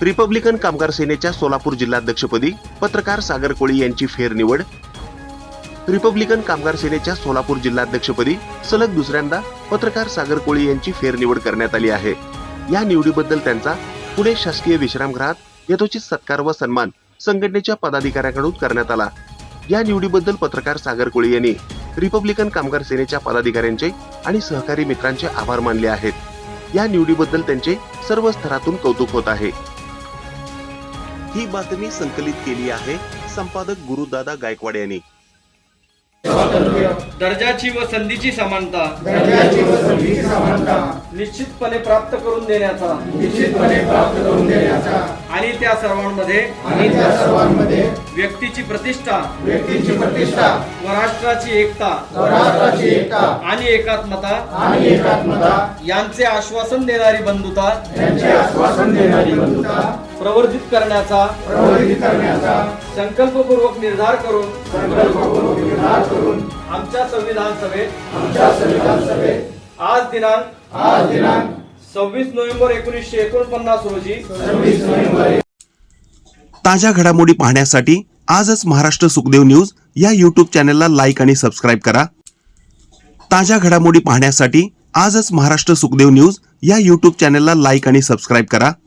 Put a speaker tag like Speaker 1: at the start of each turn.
Speaker 1: Republican कामगार सेनेच्या सोलापूर जिल्हाध्यक्षपदी पत्रकार सागर कोळी यांची फेरनिवड। रिपब्लिकन कामगार सेनेच्या सोलापूर जिल्हाध्यक्षपदी सलग दुसऱ्यांदा पत्रकार सागर कोळी यांची फेरनिवड करण्यात आली आहे। या निवडीबद्दल त्यांचा पुणे शासकीय विश्रामगृहात यथोचित सत्कार व सन्मान संघटनेच्या पदाधिकाऱ्यांकडून करण्यात आला। या निवडीबद्दल पत्रकार सागर कोळी यांनी रिपब्लिकन कामगार सेनेच्या पदाधिकाऱ्यांचे आणि सहकारी मित्रांचे आभार मानले आहेत। या निवडीबद्दल त्यांचे सर्व स्तरातून कौतुक होत आहे। ही बातमी संकलित केली आहे संपादक गुरुदादा गायकवाड यांनी।
Speaker 2: दर्जाची व संधीची समानता निश्चितपणे प्राप्त करून देण्याचा आणि त्या सर्वांमध्ये व्यक्तीची प्रतिष्ठा व राष्ट्राची एकता आणि एकात्मता यांचे आश्वासन देणारी बंधुता प्रवर्धित करण्याचा संकल्पपूर्वक निर्धार करून आमच्या संविधान सभेत आज दिनांक 26 नोव्हेंबर 1949 रोजी
Speaker 1: ताज्या घडामोडी पाहण्यासाठी आजच महाराष्ट्र सुखदेव न्यूज या YouTube चॅनलला लाईक आणि सबस्क्राईब करा। ताज्या घडामोडी पाहण्यासाठी आजच महाराष्ट्र सुखदेव न्यूज या YouTube चॅनलला लाईक आणि सबस्क्राईब करा।